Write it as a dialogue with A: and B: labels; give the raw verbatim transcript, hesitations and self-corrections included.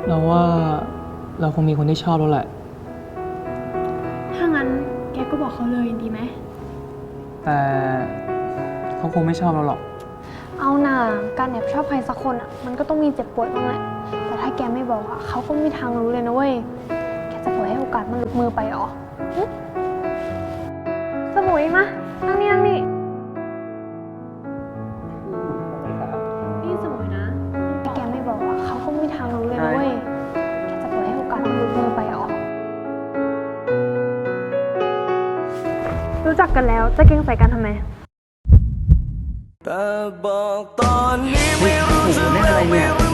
A: เราว่าเราคงมีคนที่ชอบแล้วแหละ
B: ถ้างั้นแกก็บอกเขาเลยดีไหม
A: แต่เขาคงไม่ชอบเราหรอก
B: เอาหน่าการแอบชอบใครสักคนอ่ะมันก็ต้องมีเจ็บปวดบ้างแหละแต่ถ้าแกไม่บอกอ่ะเขาก็ไม่มีทางรู้เลยนะเว้ยแกจะปล่อยให้โอกาสมันหลุดมือไปหรอสมุยมานั่งนี่นั่งนี่นี่สมุยนะถ้าแกไม่บอกอ่ะเขาก็ไม่มีทางรู้เลยนะเว้ยแกจะปล่อยให้โอกาสมันหลุดมือไปหรอรู้จักกันแล้วจะเก่งใส่กันทำไม
C: แต่บอกตอนนี้ไม่รู้จะเล่นอะไรเนี่ย